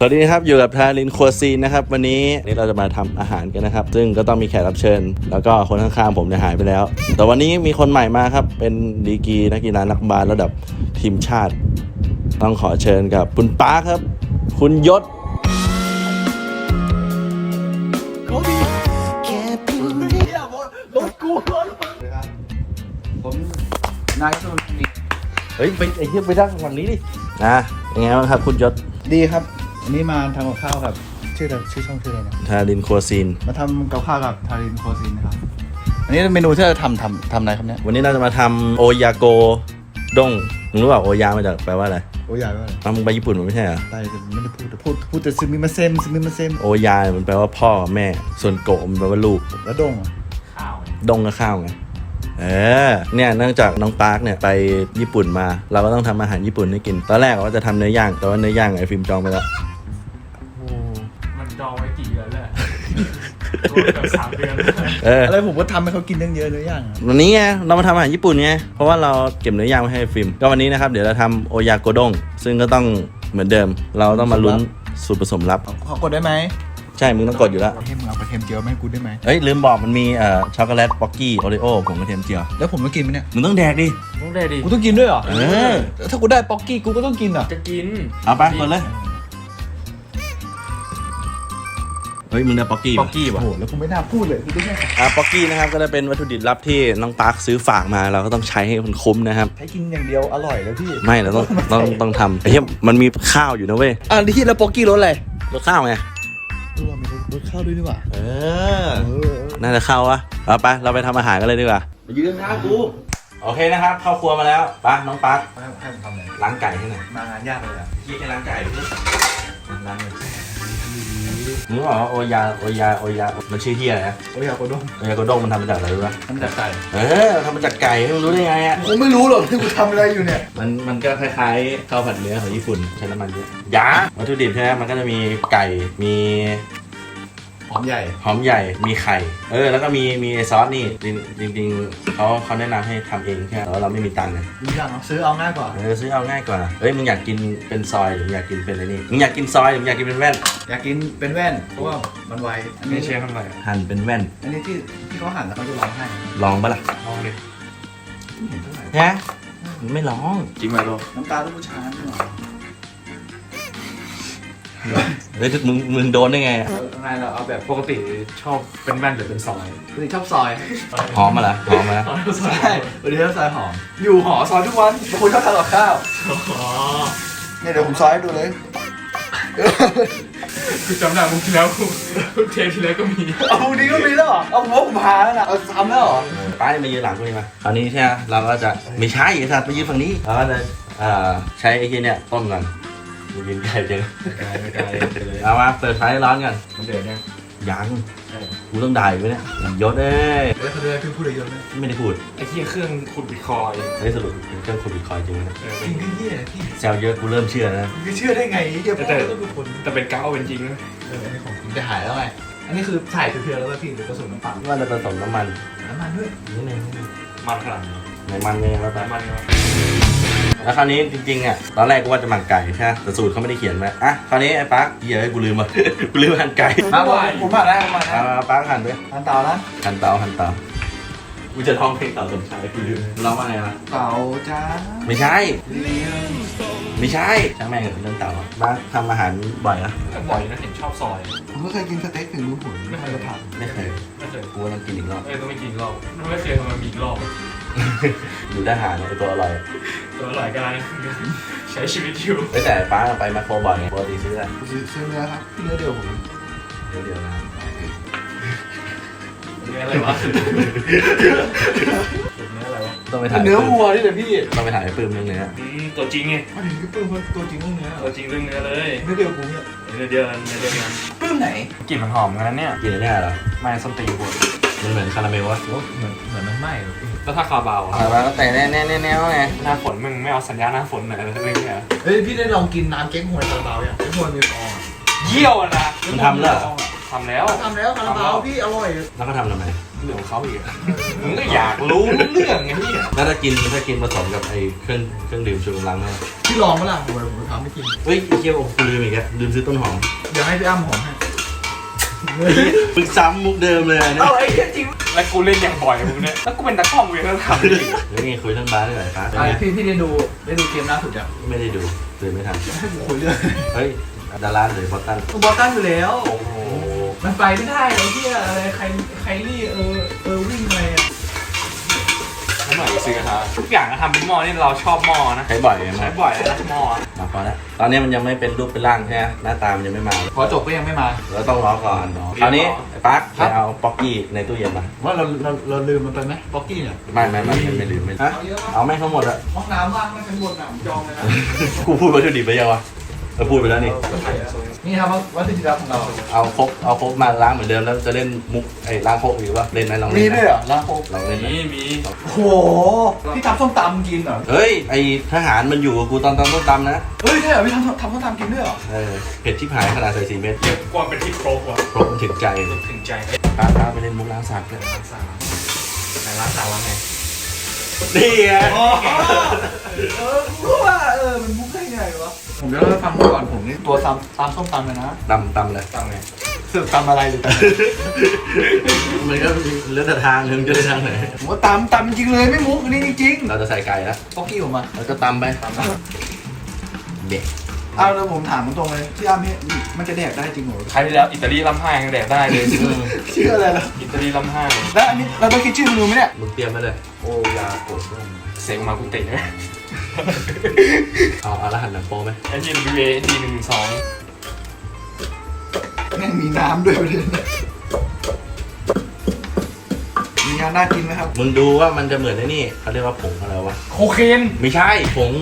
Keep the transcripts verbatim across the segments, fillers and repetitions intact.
วัสดีครับอยู่กับทารินครัวซีนนะครับวันนี้นี่เราจะมาทำอาหารกันนะครับซึ่งก็ต้องมีแขกรับเชิญแล้วก็คนข้างๆผมเนี่ยหายไปแล้วแต่วันนี้มีคนใหม่มาครับเป็นดีกรีนักกีฬานักบาสระดับทีมชาติต้องขอเชิญกับคุณป๊าครับคุณยศผมนายสมุทรเฮ้ยไปไอ้เหี้ยไปนั่งฝั่งนี้ดินะยังไงบ้างครับคุณยศดีครับวันนี้มาทำกับข้าวกับชื่ออะไรชื่อช่องชื่ออะไรนะทารินครัวซีนมาทำกับข้าวกับทารินโคซินนะครับอันนี้เมนูที่เราทำทำทำอะไรครับเนี่ยวันนี้เราจะมาทำโอยาโกด้งมึงรู้เปล่าโอยามาจากแปลว่าอะไรโอ้ยใหญ่ว่าอะไรอ้าวมึงไปญี่ปุ่นมันไม่ใช่เหรอไปแต่ไม่ได้พูดแต่พูดพูดแต่ซึมิมาเซมซึมิมาเซมโอยามันแปลว่าพ่อแม่ส่วนโกะมันแปลว่าลูกแล้วดงอ่ะข้าวดงกับข้าวไงเออเนี่ยเนื่องจากน้องปาร์คเนี่ยไปญี่ปุ่นมาเราก็ต้องทำอาหารญี่ปุ่นให้กินตอนแรกว่าจะทำเนื้อย่างแต่ว่าเนื้อย่างไอ้ฟิล์มจองไปแล้วโอ้มันจองไว้กี่เดือนแล้วรวมกับสามเดือนเอออะไรผมก็ทำให้เขากินเยอะๆเนื้อย่างวันนี้ไงเรามาทำอาหารญี่ปุ่นไงเพราะว่าเราเก็บเนื้อย่างไว้ให้ฟิล์มก็วันนี้นะครับเดี๋ยวเราทำโอยาโกด้งซึ่งก็ต้องเหมือนเดิมเราต้องมาลุ้นสูตรผสมลับขอกดได้ไหมใช่มึงต้องกดอยู่แล้วให้มึงเอากระเทียมเจียวมาให้กูได้ไหมเอ้ยลืมบอกมันมีเอ่อช็อกโกแลตป๊อกกี้โอริโอผงกระเทียมเจียวแล้วผมต้องกินไหมเนี่ยมึงต้องแดกดิต้องได้ดิกูต้องกินด้วยเหรอเออถ้ากูได้ป๊อกกี้กูก็ต้องกินอ่ะจะกินเอาไปกดเลยเฮ้ยมึงได้ป๊อกกี้ป๊อกกี้โอ้วะโหแล้วกูไม่น่าพูดเลยกูต้องแค่อ่ะป๊อกกี้นะครับก็จะเป็นวัตถุดิบลับที่น้องปาร์คซื้อฝากมาเราก็ต้องใช้ให้มันคุ้มนะครับใช้กินอย่างเดียวอร่อยแล้วพี่ไม่เราต้องต้องต้องทำไอ้เหี้ยมันมีข้าวอยู่นะเว้ยอ่ะที่แล้วป๊อกกี้รสอะไรรสข้าวไงเรามีรสข้าวด้วยนี่หว่าเออน่าจะเข้าวะเอาไปเราไปทำอาหารกันเลยดีกว่าไปยืนข้างกูโอเคนะครับเข้าครัวมาแล้วปะน้องปาร์คให้ให้ผมทำอะไรล้างไก่ให้หน่อยมางานยากเลยอ่ะยี่แค่ล้างไก่ล้างเลยมึงบอกว่าโอยาโอยาโอยามันชื่อเฮียอะไรนะโอ้ยอยากกดดงโอยาโกด้งมันทำมาจากอะไรรู้ปะทำจากไก่เออทำมาจากไก่มึงรู้ได้ไงอ่ะผมไม่รู้หรอกที่กูทำอะไรอยู่เนี่ยมันมันก็คล้ายๆข้าวผัดเนื้อของญี่ปุ่นใช้น้ำมันเยอะยาวัตถุดิบใช่ไหมมันก็จะมีไก่มีหอมใหญ่หอมใหญ่มีไข่เออแล้วก็มีมีไอซอสนี่จริงจริงๆเขาเขาแนะนำให้ทำเองแค่แต่ว่าเราไม่มีตังค์ไงดูอย่างเอาซื้อเอาง่ายกว่าเออซื้อเอาง่ายกว่าเฮ้ยมึงอยากกินเป็นซอยหรือมึงอยากกินเป็นอะไรนี่มึงอยากกินซอยหรือมึงอยากกินเป็นแว่นอยากกินเป็นแว่นเพราะว่ามันไวอันนี่นี้เชฟทำอะไรอ่ะหั่นเป็นแว่นอันนี้ที่ที่เขาหั่นแล้วเขาจะร้องให้ลองปะล่ะลองดิฮะไม่ลองจริงไหมลูกน้ำตาลูกผู้ชายนี่หว่าเฮ้ยมึงมึงโดนได้ไงอะไงเราเอาแบบปกติชอบเป็นแว่นหรือเป็นซอยปกติชอบซอยหอมมาละหอมมาละใช่ปกติชอบซอยหอมอยู่หอซอยทุกวันบางคนชอบทานกับข้าวอ๋อเนี่ยเดี๋ยวผมซอยให้ดูเลยคือจำได้มุกที่แล้วเทปที่แล้วก็มีเอาพวกนี้ก็มีแล้วเหรอเอาผมว่าผมหาแล้วนะเอาซ้ำแล้วเหรอป้าจะมายืนหลังกูนี่มาตอนนี้ใช่ไหมเราก็จะไม่ใช่ไอ้สัตว์ไปยืนฝั่งนี้เราก็จะเอ่อใช้ไอ้ที่เนี่ยต้มก่อนยืนไกลจังไม่ได้ไม่ได้เลยเอามาเปิดไฟร้อนกันมันเดือดเนี่ยยังกูต้องด่าอยู่ไหมเนี่ยยศเอ้ยเอ้ยเขาเรียกพี่พูดอะไรเยอะไหมไม่ได้พูดไอ้ที่เครื่องขุดบิตคอยเฮ้ยสรุปเป็นเครื่องขุดบิตคอยน์จริงไหมเนี่ยเออจริงก็เหี้ยพี่แซวเยอะกูเริ่มเชื่อนะมึงจะเชื่อได้ไงเหี้ยพ่อต้องเป็นคนแต่เป็นก้าวเป็นจริงนะเอออันนี้ของจริงจะหายแล้วไงอันนี้คือถ่ายเพียวๆแล้วก็พี่หรือผสมน้ำปลาว่าจะผสมน้ำมันน้ำมันด้วยนิดนึงนิดนึงมันขนาดไหนในมันเนี่ยแล้วแต่มันไงวะแล้วคราวนี้จริงๆอ่ะตอนแรกกูว่าจะหมักไก่ใช่ไหมแต่สูตรเขาไม่ได้เขียนไว้อ่ะคราวนี้ไอ้ปั๊กเหี้ยอะกูลืมอ่ะ กูลืมหั่นไก่มาผมผมมาแล้วผมมาแล้วเอาปั๊กหั่นด้วยทานเตานะหั่นเตาหั่นเตากูจะร้องเพลงเต่าสมชายกูลืมร้องว่าไงวะเตาจ้าไม่ใช่เลี้ยงไม่ใช่ช่างแม่งเรื่องเต่าอะปั๊กทำอาหารบ่อยนะบ่อยนะเห็นชอบซอยผมก็เคยกินสเต็กถึงรู้ผลไม่เคยทำไม่เคยไม่เคยกูต้องกินอีกรอบเอ้ยต้องไปกินรอบไม่เคยทำมามีรอบอยู่ทหารเนี่ยไอ้ตัวอร่อยตัวหลายการใช้ชีวิตอยู่เฮ้ยแต่ปั๊กไปมาโครบ่อยไงปกติซื้ออะไรซื้อซื้อเนื้อครับเนื้อเดียวผมเดี๋ยวเดี๋ยวนะเนื้ออะไรวะเนื้ออะไรวะต้องไปถ่ายเนื้อวัวนี่แหละพี่ต้องไปถ่ายไอ้ปื้มเรื่องเนื้ออืมตัวจริงไงมาถึงพี่ปื้มตัวจริงเรื่องเนื้อตัวจริงเรื่องเนื้อเลยเนื้อเดียวผมเนี่ยเนื้อเดียวกันเนื้อเดียวกันปื้มไหนกลิ่นมันหอมกันนะเนี่ยกินอันเนี่ยเหรอไม่ส้นตีนหัวมันเหมือนคาราเมลวะเหมือนเหมือนมันไหม้แล้วถ้าคาบาวอะมาแล้วแต่แน่แน่แน่แน่ไงหน้าฝนมึงไม่เอาสัญญาหน้าฝนหน่อยอะไรเรื่องเนี้ยเฮ้ยพี่ได้ลองกินน้ำเก๊กฮวยคาราบาวยังเก๊กฮวยมีฟองอ่ะเยี่ยวอะนะมันทำแล้วทำแล้วทำแล้วคาราบาวพี่อร่อยแล้วก็ทำทำไมมเรื่องของเขาอีกมึงก็อยากรู้เรื่องไงพี่แล้วถ้ากินถ้ากินผสมกับไอ้เครื่องเครื่องดื่มชูกำลังเนี่ยพี่ลองมั้ยล่ะผมผมทำไม่กินเฮ้ยไอ้เคี้ยวกูลืมอีกแล้วลืมซื้อต้นหอมเดี๋ยวให้พี่อ้ำหอมให้มึงซ้ำมุกเดิมเลยเนี่ยเอาไอ้จริงแล้วกูเล่นอย่างบ่อยมึงเนี่ยแล้วกูเป็นตะกล้องกูยังต้องทำอีกเดี๋ยวนี่คุยเรื่องบาสได้ไหมครับไอพี่พี่ได้ดูได้ดูเกมล่าสุดยังไม่ได้ดูเลยไม่ทันให้ผมคุยเรื่องเฮ้ยดาราหรือบอสตันบอลตันอยู่แล้วโอ้โหมันไปไม่ได้ไอ้ที่อะไรใครใครนี่เออเออวิ่งอะไรอ่ะไม่หน่อยซื้อกระทะทุกอย่างก็ทำเป็นหม้อนี่เราชอบหม้อนะใช้บ่อยไหมใช้บ่อยนะหม้อมาพอแล้วตอนนี้มันยังไม่เป็นรูปเป็นร่างใช่ไหมหน้าตามันยังไม่มาพอจบก็ยังไม่มาเราต้องรอก่อนคราวนี้ไอ้ปั๊กไปเอาป๊อกกี้ในตู้เย็นมาว่าเราเราเราลืมมันไปไหมบ็อกกี้เนี่ยไม่ไม่ไม่ไม่ลืมไม่ฮะเอาแม่งทั้งหมดอะห้องน้ำว่างไม่ชั้นบนอ่ะผมจองเลยนะกูพูดวัตถุดิบไปยังวะเราพูดไปแล้วนี่นี่ครับวัตถุดิบของเราเอาครกเอาครกมาล้างเหมือนเดิมแล้วจะเล่นมุกไอ้ล้างครกอีกวะเล่นไหมลองมีเล่นไหมด้วยเหรอลาโคลองเล่นไหมมีมีโอ้โหพี่ทำส้มตำกินเหรอเฮ้ยไอ้ทหารมันอยู่กับกูตอนตอนต้นตำนะเฮ้ยใช่เหรอพี่ทำทำส้มตำกินด้วยเหรอเออเผ็ดชิบหายขนาดใส่สี่เม็ดเก็บความเป็นที่ครบว่ะครบมันถึงใจถึงใจป้าป้าไปเล่นมุกล้างสากเลยร้านสาวไหนร้านสาวว่าไงนี่ไงเออกูว่าเออมันมุกได้ไงวะผมจะเล่าให้ฟังก่อนผมนี่ตัวตำตำส้มตำเลยนะตำตำเลยตั้งไงสืบตำอะไรหรือตำมันก็เลือกแต่ทางนึงจะได้ทางไหนผมว่าตำตำจริงเลยไม่มุกอันนี้จริงเราจะใส่ไก่แล้วๆบ็อกกี้ผมมาแล้วก็ตำไปเด็กเอาแล้วผมถามตรงๆเลยที่อ้ำนี่มันจะแดกได้จริงเหรอใครที่แล้วอิตาลีล้ำห้ายังแดกได้เลยชื่ออะไรล่ะอิตาลีล้ำห้าแล้วอันนี้เราต้องคิดชื่อเมนูไหมเนี่ยมึงเตรียมมาเลยโอยาโกดเสียงมากูเตะไหมเอาเอารหัสหนังโป้ไหมไอ้ที่ W A D หนึ่งสองแม่งมีน้ำด้วยประเด็นมีงานน่ากินไหมครับมึงดูว่ามันจะเหมือนไอ้นี่เขาเรียกว่าผงอะไรวะโคเคนไม่ใช่ผง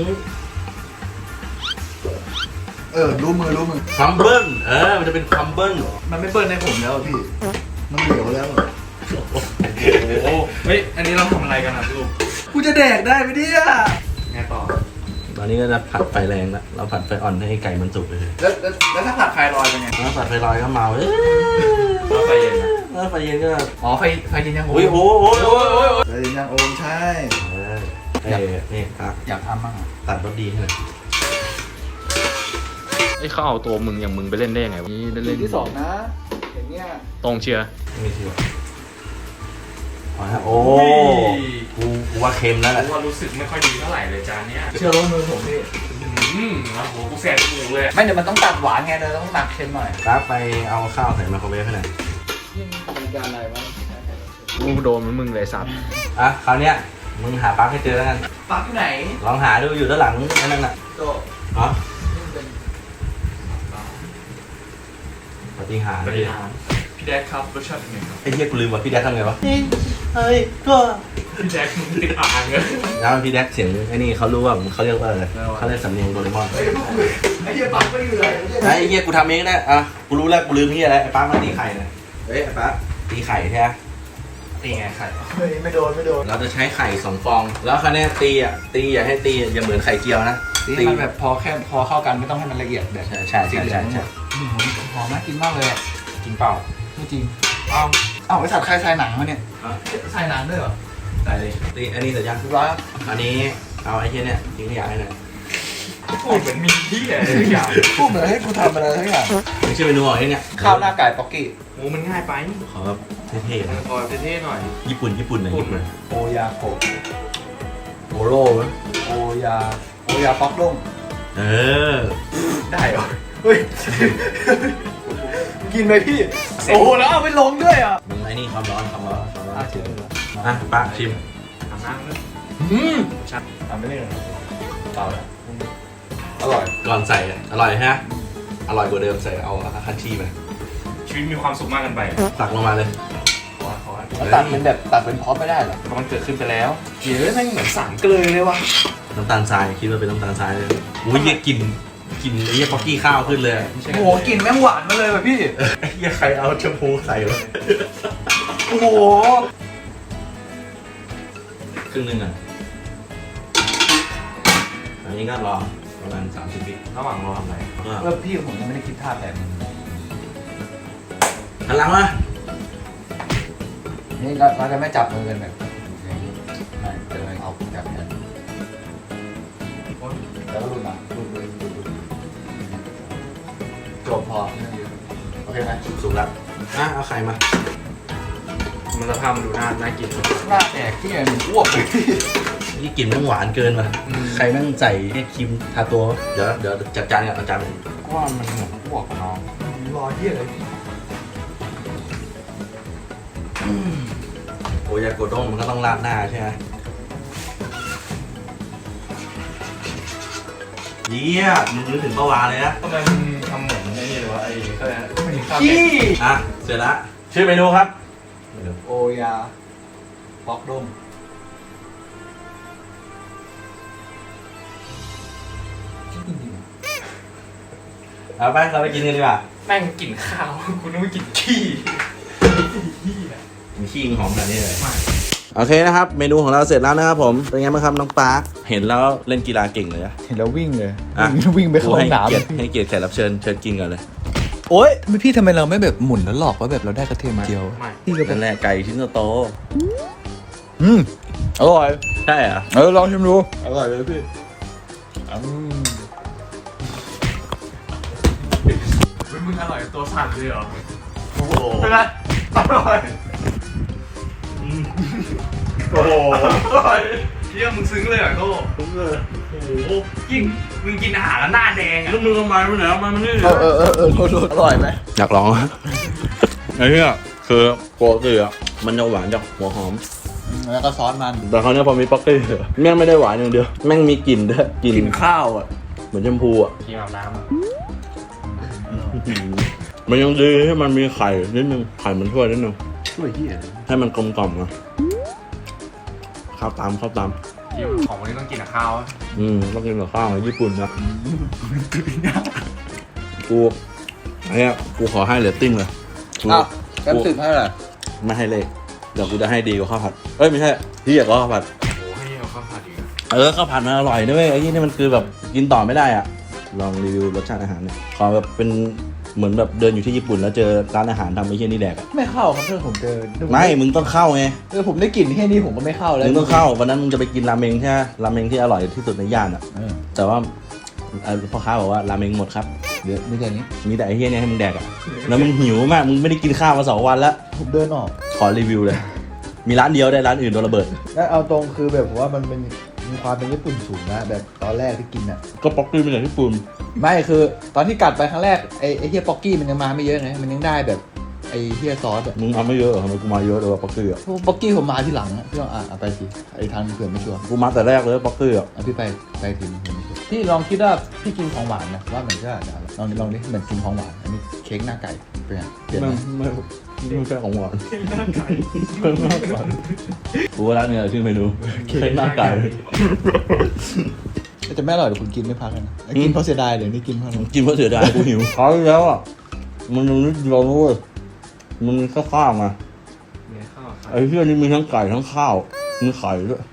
เออรู้มือรู้มือคัมเบิลเออมันจะเป็นคัมเบิลมันไม่เปิ้ลในผมแล้วอะพี่ มันเหลวแล้วอะโอ้เฮ้ยอันนี้เราทำอะไรกันอ่ะลูกกูจะแดกได้ไหมเนี่ยไงต่อตอนนี้ก็จะผัดไฟแรงแล้วเราผัดไฟอ่อนให้ไก่มันสุกเลยแล้วแล้วแล้วถ้าผัดไฟลอยเป็นไงแล้วผัดไฟลอยก็เมาเอ้ยแล้วไฟเย็นนะแล้วไฟเย็นก็อ๋อไฟไฟเย็นยังโอโอ้ยมโอ้ยโอ้ยโอ้ยโอ้ยไฟเย็นยังโอมใช่เออเอ้ยนี่ครับอยากทำบ้างอะตัดรสดีให้หน่อยไอ้เขาเอาตัวมึงอย่างมึงไปเล่นได้ยังไงวะนี่เล่นเรื่องที่สองนะอย่างเงี้ยตรงเชียร์ไม่เชื่อเอาละโอ้กูกูว่าเค็มแล้วแหละกูว่ารู้สึกไม่ค่อยดีเท่าไหร่เลยจานเนี้ยเชื่อรู้มือผมพี่อืมโอ้โหกูแสบจมูกเลยไม่เดี๋ยวมันต้องตัดหวานไงเลยต้องหนักเค็มหน่อยครับไปเอาข้าวใส่ไมโครเวฟให้หน่อยยิ่งมีการอะไรวะกูโดนมึงเลยสัตว์อ่ะคราวเนี้ยมึงหาปลั๊กให้เจอแล้วกันปักที่ไหนลองหาดูอยู่ด้านหลังไอ้นั่นน่ะโตอ๋อนี่เป็นปฏิหารบเลยริหารพี่แดกครับรสชาติเป็นไงครับไอ้เหี้ยกูลืมว่าพี่แดกทำไงวะเฮ้ยก็พี่แดกมึงติดอ่างเลยแล้วพี่แดกเสียงไอ้นี่เขารู้ว่าเขาเรียกว่าอะไรเขาเรียกสำเนียงโดเรมอนเฮ้ยพวกมึงไอ้เหี้ยปักไม่อยู่เลยไอ้เหี้ยกูทำเองนะอ่ะกูรู้แล้วกูลืมเหี้ยอะไรไอ้ป้ามาตีไข่นะเฮ้ยไอ้ป้าตีไข่ใช่ไหมตีไงไข่เฮ้ยไม่โดนไม่โดนเราจะใช้ไข่สองฟอง แล้วคราวเนี้ยตีอ่ะตีอย่าให้ตีอย่าเหมือนไข่เจียวนะตีมันแบบพอแค่พอเข้ากันไม่ต้องให้มันละเอียดแบบใช่ใช่ใช่ใช่ใช่อืมหอมน่ากินมากเลยอะกินเปล่าไม่จริงเอ้าอ้าวไอ้สัตว์ใครใส่หนังมาเนี่ยใส่หนังด้วยเหรอได้เลยตีอันนี้เสร็จยังเรียบร้อยครับอันนี้เอาไอ้เหี้ยเนี่ยทิ้งขยะให้หน่อยพูดเหมือนมีที่อะไรทุกอย่างพูดเหมือนให้กูทำอะไรทั้งอย่างไม่ใช่เมนูของไอ้เนี่ยข้าวหน้าไก่ป๊อกกี้โอ้มันง่ายไปขอแบบเท่ๆนะพอเท่ๆหน่อยญี่ปุ่นญี่ปุ่นหน่อยญี่ปุ่นโอยาโกะโอโร่ไหมโอยาโอยาป๊อกด้งเออได้เหรอเฮ้ยกินไหมพี่โอ้โหแล้วเอาไปลงด้วยอ่ะมึงไอ้นี่ความร้อนความร้อนความร้อนอ่ะชิมอ่ะป้าชิมทำน้ำเลยอืมชัดทำไม่ได้เลยเปล่าแล้วอร่อยก่อนใส่อ่ะอร่อยฮะอร่อยกว่าเดิมใส่เอาคันชีไปชีวิตมีความสุขมากกันไปตักลงมาเลยขอขอแล้วตัดเป็นแบบตัดเป็นพร็อพไม่ได้เหรอมันเกิดขึ้นไปแล้วเดี๋ยวแม่งเหมือนสารเกลือเลยวะน้ำตาลทรายคิดว่าเป็นน้ำตาลทรายเลยอุ้ยเหี้ยกลิ่นกลิ่นไอ้เหี้ยป๊อกกี้ข้าวขึ้นเลยไม่ใช่โอ้โหกลิ่นแม่งหวานมาเลยว่ะพี่ไอ้เหี้ยใครเอาแชมพูใส่วะโอ้โหครึ่งหนึงอ่ะอันนี้ก็รอประมาณสามสิบวิระหว่างรอทำอะไรก็แล้วพี่ผมยังไม่ได้คิดท่าแบบนี้หันหลังมานี่เราเราจะไม่จับมือกันแบบอย่างนี้ไม่จะเลยเอาจับกันแล้วก็รุนมารุนรุนรุนรุนจบพอโอเคไหมสุกแล้วอ่ะเอาไข่มามันสภาพมันดูน่าน่ากินหน้าแตกที่ไงมันอ้วกเลยนี่กลิ่นแม่งหวานเกินว่ะใครแม่งใส่แค่ครีมทาตัวเดี๋ยวเดี๋ยวจัดจานกันเอาจานก็ว่ามันเหมือนอ้วกกับน้องรอเยี่ยเลยโอ้ยาโกด้งมันก็ต้องราดหน้าใช่ไหมเยี่ยมึงนึกถึงประวาเลยนะทำไมมึงทำเหมือนไอ้นี่เลยวะไอ้ก็เลยไม่มีข้าวแกขี้งอ่ะเสร็จละชื่อเมนูครับโอยาปอกดมเอาไปเราไปกินกันดีกว่าแม่งกลิ่นข้าว คุณนึกว่ากินขี้ขี้อะมีขี้หอมแบบนี้เลยไม่โอเคนะครับ เมนูของเราเสร็จแล้วนะครับผมเป็นไงบ้างครับน้องปาร์คเห็นแล้วเล่นกีฬาเก่งเลยอะเห็นแล้ววิ่งเลยอ่ะวิ่งไปเข้าห้ให้องน้เกียรติให้เกียรติแขกรับเชิญเชิญกินก่อนเลยำโอ๊ยไม่พี่ทำไมเราไม่แบบหมุนแล้วหลอกว่าแบบเราได้กระเทียมเจียวไม่พี่ก็เป็นั่นนแหละไก่ชิ้นโตอืมอร่อยๆใช่เหรอเออลองชิมดูอร่อยเลยพี่อืมเฮ้ยมึงอร่อยตัวสั่นเลยเหรอโอ้โหเป็นไรอร่อยโอ้โหอร่อยเยี่ยมึงซึ้งเลยเหรอโก้ทุกเลยโอ้โหยิ่งมึงกินอาหารแล้วหน้าแดงอ่ะแล้วมึงทำไมไม่ไหนเอามามันนี่เออเออเออเออโทษโทษอร่อยไหมอยากลองอะไอ้เนี่ยคือโกติอ่ะมันจะหวานจากหัวหอมแล้วก็ซอสมันแต่คราวเนี้ยพอมีป๊อกกี้แม่งไม่ได้หวานอย่างเดียวแม่งมีกลิ่นด้วยกลิ่นกินข้าวอ่ะเหมือนแชมพูอ่ะกินอาบน้ำอ่ะมันยังดีให้มันมีไข่นิดนึงไข่มันช่วยนิดนึงช่วยที่ไหนให้มันกลมกล่อมอ่ะข้าวตามข้าวตามที่ของวันนี้ต้องกินกับข้าวอะอืมต้องกินกับข้าวในญี่ปุ่นนะกูไอ้เนี่ยกูขอให้เรตติ้งเลยกูอ้าวแป๊บสิบให้เหรอไม่ให้เลขเดี๋ยวกูจะให้ดีกว่าข้าวผัดเอ้ยไม่ใช่ที่อยากกว่าข้าวผัดโอ้โหให้เอาข้าวผัดอีกอะเออข้าวผัดมันอร่อยด้วยไอ้นี่นี่มันคือแบบกินต่อไม่ได้อ่ะลองรีวิวรสชาติอาหารเนี่ยขอแบบเป็นเหมือนแบบเดินอยู่ที่ญี่ปุ่นแล้วเจอร้านอาหารทำไอ้เหี้ยนี่แดกอ่ะไม่เข้าครับเพื่อนผมเจอไม่มึงต้องเข้าไงเออผมได้กลิ่นแค่นี้ผมก็ไม่เข้าแล้วมึงต้องเข้าวันนั้นมึงจะไปกินราเมงใช่ไหมราเมงที่อร่อยที่สุดในย่านอ่ะเออแต่ว่าเอ่อพ่อค้าบอกว่าราเมงหมดครับเดี๋ยวไม่ใช่นี้มีแต่ไอ้เหี้ยเนี่ยให้มึงแดกอ่ะแล้วมึงหิวมากมึงไม่ได้กินข้าวมาสองวันแล้วผมเดินออกขอรีวิวเลย มีร้านเดียวได้ร้านอื่นโดนระเบิดแล้วเอาตรงคือแบบผมว่ามันเป็นมีความเป็นญี่ปุ่นสูงนะแบบตอนแรกที่กินอ่ะก็ป๊อกกี้เป็นอย่างญี่ปุ่นไม่คือตอนที่กัดไปครั้งแรกไอ้ไอ้เฮียป๊อกกี้มันยังมาไม่เยอะไงมันยังได้แบบไอ้เฮียซอสอะมึงเอาไม่เยอะเหรอทำไมกูมาเยอะเลยว่าป๊อกกี้อ่ะพวกป๊อกกี้ผมมาที่หลังอะพี่ลองอ่ะเอาไปสิไอ้ทางเผื่อไม่ชัวร์กูมาแต่แรกเลยป๊อกกี้อ่ะเอาพี่ไปไปทีนึงผมไม่ชัวร์พี่ลองคิดว่าพี่กินของหวานนะว่ามันก็อาจจะลองดิลองดิเหมือนกินของหวานอันนี้เค้กหน้าไก่เป็นไงเปลี่ยนไหไม่มไม่ไม่ใช่ของหวานหน้าไก่กูว่าร้านเนี่ยชื่อเมนูเค้กหน้าไก่แต่ไม่อร่อยเดี๋ยวคุณกินไม่พักเลยนะไอ้กินเพราะเสียดายเดี๋ยวนี้กินเพราะอะไรกินเพราะเสียดายกูหิวเขาวที่แล้วอ่ะมันยังนิดเดียวนะเว้ยมันมีแค่ข้าวมาเนี่ยข้าวไข่ไอ้เหี้ยนี่มีทั้งไก่ทั้งข้าวมีไข่ด้วย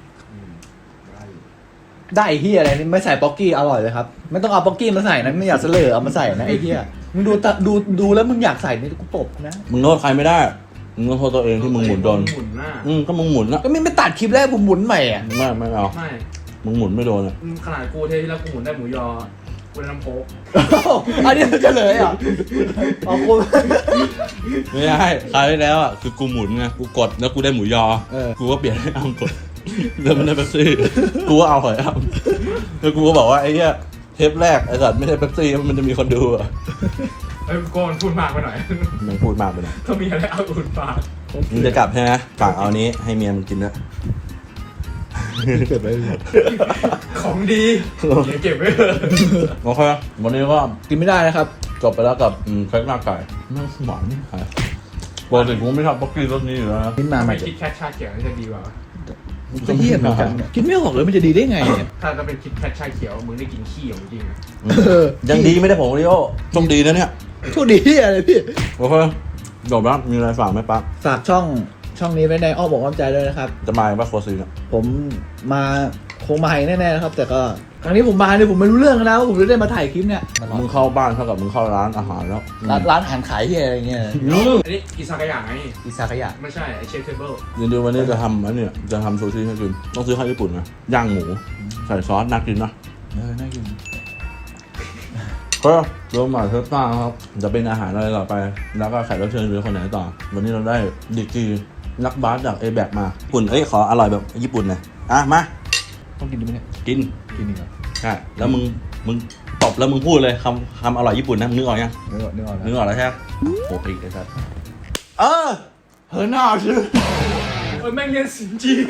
ได้ไอ้เฮียอะไรนี่ไม่ใส่ป๊อกกี้อร่อยเลยครับไม่ต้องเอาป๊อกกี้มาใส่นะไม่อยากเสลอเอามาใส่นะไอ้เฮียมึงดูตะดูดูแล้วมึงอยากใส่นี่กูตบนะมึงโทษใครไม่ได้มึงต้องโทษตัวเองที่มึงหมุนโดนหมุนหน้าอืมก็มึงหมุนนะก็ไม่ไม่ตัดคลิปแรกผมหมุนใหม่อ่ะไม่ไม่เอาไม่มึงหมุนไม่โดนอ่ะอืมขนาดกูเทที่แล้วกูหมุนได้หมูยอกูได้น้ำโค้กอันนี้มันจะเลยอ่ะเอาคุณไม่ได้คราวที่แล้วอ่ะคือกูหมุนไงกูกดแล้วกูได้หมูยอเออกูก็เปลี่ยนให้อ้ำกดแล้วมันได้เป๊ปซี่กูก็เอาหอยอ้ำแล้วกูก็บอกว่าไอ้เหี้ยเทปแรกไอ้สัตว์ไม่ได้เป๊ปซี่มันจะมีคนดูอ่ะเอ้ยโกนพูดมากไปหน่อยมึงพูดมากไปหน่อยถ้ามีอะไรเอาอุ่นปากมึงจะกลับใช่ไหมฝากเอานี้ให้เมียมึงกินด้วยเก็บไว้เลยของดีอย่าเก็บไว้เถอะโอเควันนี้ก็กินไม่ได้นะครับจบไปแล้วกับอืมเค้กหน้าไก่น่าหวานนี่ค่ะปกติกูไม่ชอบป๊อกกี้รสนี้อยู่แล้วนะกินมาใหม่ไม่คิดแคทชาเขียวน่าจะดีกว่าจะเยี่ยมเหมือนกันเนี่ยกินไม่ออกเลยมันจะดีได้ไงเนี่ยถ้าจะเป็นคิดแคทชาเขียวมึงได้กินขี้ของจริงอะเออยังดีไม่ได้ผงโอริโอต้องดีนะเนี่ยโชคดีที่อะไรพี่โอเคจบแล้วมีอะไรฝากไหมปั๊บฝากช่องช่องนี้ไว้ในอ้อมอกอ้อมใจด้วยนะครับจะมาอีกป่ะโคซีเนี่ยผมมาคงมาให้แน่ๆนะครับ แต่ก็ครั้งนี้ผมมาเนี่ยผมไม่รู้เรื่องนะว่าผมจะได้มาถ่ายคลิปเนี่ยมึงเข้าบ้านเท่ากับมึงเข้าร้านอาหารแล้วร้านร้านอาหารขายที่อะไรเงี้ยอืมอันนี้อิซากายะไงอิซากายะไม่ใช่ไอเชฟเทเบิลเดี๋ยววันนี้จะทำอันเนี้ยจะทำซูชิให้กินต้องซื้อข้าวญี่ปุ่นนะย่างหมูใส่ซอสน่ากินนะเออน่ากินก็เริ่มมาเทปหน้าครับจะเป็นอาหารอะไรต่อไป แล้วก็แขกรับเชิญหรือคนไหนต่อ วันนี้เราได้ดีกรีนักบาสจากเอแบกมาญี่ปุ่นเอ้ยขออร่อยแบบญี่ปุ่นหน่อยอ่ะมาต้องกินดีไหมเนี่ยกินกินดีกว่าใช่แล้วมึงมึงตบแล้วมึงพูดเลยคำคำอร่อยญี่ปุ่นนะมึงนึกออกยังนึกออกนึกออกนึกแล้วออกแล้วใช่ไหมโอ้ปีกเลยครับเออเฮ้ยน่าชื่อเออแม่งเรียนสินจีน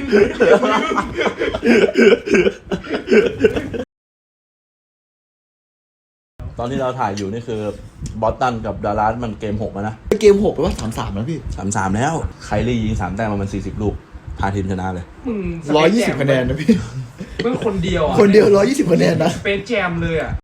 ตอนที่เราถ่ายอยู่นี่คือบอสตันกับดารัสมันเกมหกแล้วนะเกมหกไปว่าสามสามแล้วพี่สามสามแล้วไคลี่ยิงสามแต้มมามันสี่สิบลูกพาทีมชนะเลยมึงร้อยยี่สิบคะแนนนะพี่มึงคนเดียวอ่ะคนเดียวร้อยยี่สิบคะแนนนะสเปซแจมเลยอ่ะ